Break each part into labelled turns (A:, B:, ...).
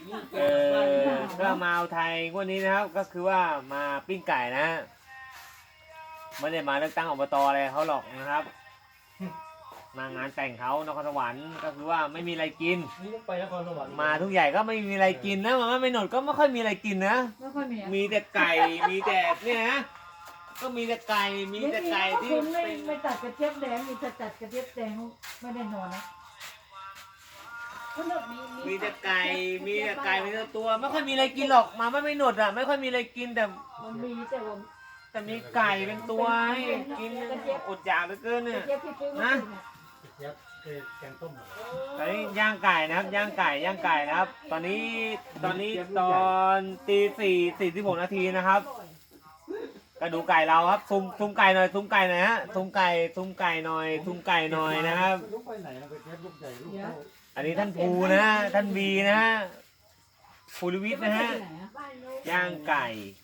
A: ก็มาเอาไทยวันนี้นะครับก็คือว่ามาปิ้งไก่นะไม่ได้มาเลือกตั้งอบตอะไรเขาหรอกนะครับมางานแต่งเขานครสวรรค์ก็คือว่าไม่มีอะไรกิน
B: ไปนครสวรรค์
A: มาทุกใหญ่ก็ไม่มีอะไรกินนะมาไม่หนดก็ไม่ค่อยมีอะไรกินนะ
C: ไม่ค่อยมี
A: มีแต่ไก่มีแต่เนี่ยนะก็มีแต่ไก่มีแต่ไก่ที่
C: คุณไม่ตัดกระเจี๊ยบแดงมีแต่ตัดกระเจี๊ยบแดงไม่ได้นอนนะ
A: มีแต่ไก่มีแต่ไก่มีแต่ตัวไม่ค่อยมีอะไรกินหรอกมาไม่หนดอ่ะไม่ค่อยมีอะไรกินแต่
C: มันมีแต่ว่า
A: แต่มีไก่เป็นตัวให้กินอดอยากเหลือเกินเนี่ยนะ
B: แกงต้ม
A: ตอนนี้ย่างไก่นะครับย่างไก่นะครับ ตอนนี้ตอนตี 4:46 นาทีนะครับก็ดูไก่เราครับซุ้มไก่หน่อยซุ้มไก่หน่อยฮะซุ้มไก่หน่อยนะครับอันนี้ท่านภูนะท่านวีนะฮะภูริวิทย์นะฮะย่างไก่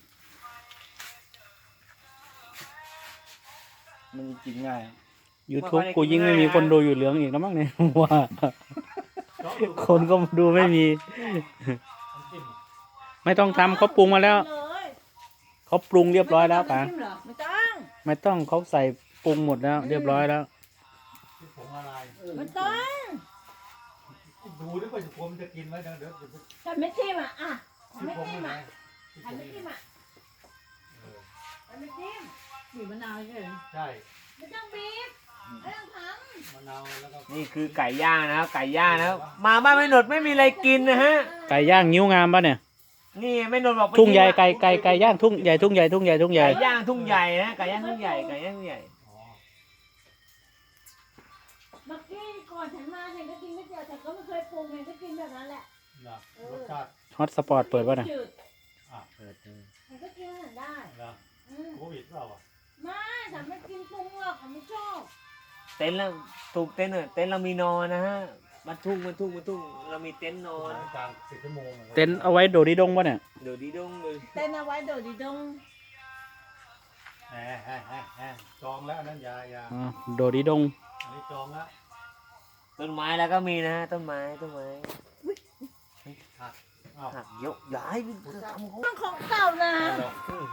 B: มันกินง่าย
D: YouTube กูยิ่งไม่มีคนดูอยู่เหลืองอีกแล้วมั้งเนี่ยว่าคนก็ดูไม่มี ไม่ต้องทำเขาปรุงมาแล้วเขาปรุงเรียบร้อยแล้วป่ะไม่ต้องเขาใส่ปรุงหมดแล้วเรียบร้อยแล้ว
C: ไม่ต้อง
B: ดูด้วยว่าผมจะกินไหมเดี๋ยว
C: ฉันไม่ทิมอ่ะไม่ทิมอ่ะฉันไม่ทิมอ่ะฉันไม่ทิมบีบมะนาวใช่ไหม
B: ใช่
C: ไม่ต้องบีบไม่ต้องทำ
B: มะนาวแล้วก็
A: นี่คือไก่ย่างนะครับไก่ย่างนะครับมาบ้านไม่หนดไม่มีอะไรกินนะฮะ
D: ไก่ย่างนิ้วงามป่ะเนี่ย
A: นี่ไม่หนดบอก
D: ทุ่งใหญ่ไก่ย่างทุ่งใหญ่ไก่ย่างทุ่งใหญ่
A: ไก่ย่างทุ่งใหญ่นะไก่ย่างทุ่งใหญ่
C: เมื่อกี้ก่อนฉันมาฉันก็กินไม่เจอแต่ก็ไม่เคยปรุงฉันก็กินแบบนั้นแหละ
B: รสชาติ
D: ฮอตสปอร์ตเปิดป่ะเนี่ย
A: เปิด
C: ฉันก็กินฉันได้
B: โควิดเปล่า
C: ไม่ฉันไม่กินปรุงหรอกฉันไม่ชอบ
A: เต็นท์แล้วถูกเต็นท์เต็นท์เรามีนอนนะฮะมันทุ่งเรามีเต็นท์นอน
B: กลาง10 ชั่วโมง
D: เต็นท์เอาไว้โดดดีดงป่ะเนี่ย
A: เดี๋ยวดีดงเลย
C: เต้นเอาไว้โดดดีดง
B: จองแล้วนั่นยา
D: โดดดีดง
B: อันนี้จองแล้ว
A: ต้นไม้แล้วก็มีนะต้นไม้
B: หัก
A: หักเยอะย้าย
C: ของเก่านะ